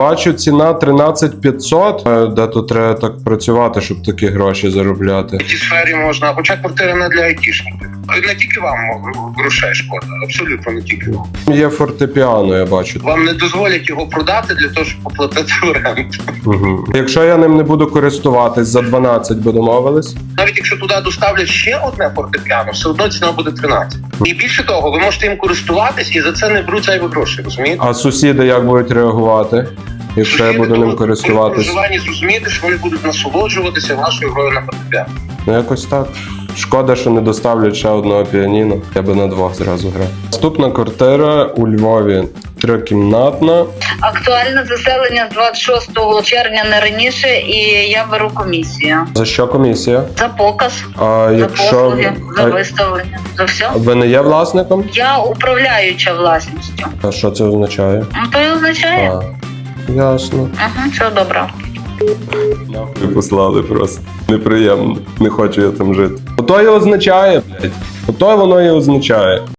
Бачу, ціна 13 500. Де тут треба так працювати, щоб такі гроші заробляти? В цій сфері можна, хоча квартира не для айтішників. Не тільки вам грошей шкода, абсолютно не тільки вам. Є фортепіано, я бачу. Вам не дозволять його продати для того, щоб оплатити оренду. Угу. Якщо я ним не буду користуватись, за 12 би домовились? Навіть якщо туди доставлять ще одне фортепіано, все одно ціна буде 13. І більше того, ви можете їм користуватись і за це не беруть зайві гроші, розумієте? А сусіди як будуть реагувати, якщо я буду ним користуватись? При проживанні зрозумієте, що вони будуть насолоджуватися вашою грою на фортепіано. Ну якось так. Шкода, що не доставлять ще одного піаніно. Я би на двох зразу грав. Наступна квартира у Львові. Трикімнатна. Актуальне заселення з 26 червня не раніше, і я беру комісію. За що комісія? За показ, А за якщо послуги, за виставлення, за все. ви не є власником? Я управляюча власністю. А що це означає? Ну, то і означає. Ясно. Ага, все добре. Нахуй послали просто. Неприємно. Не хочу я там жити. Ото і означає, блядь. Ото воно і означає.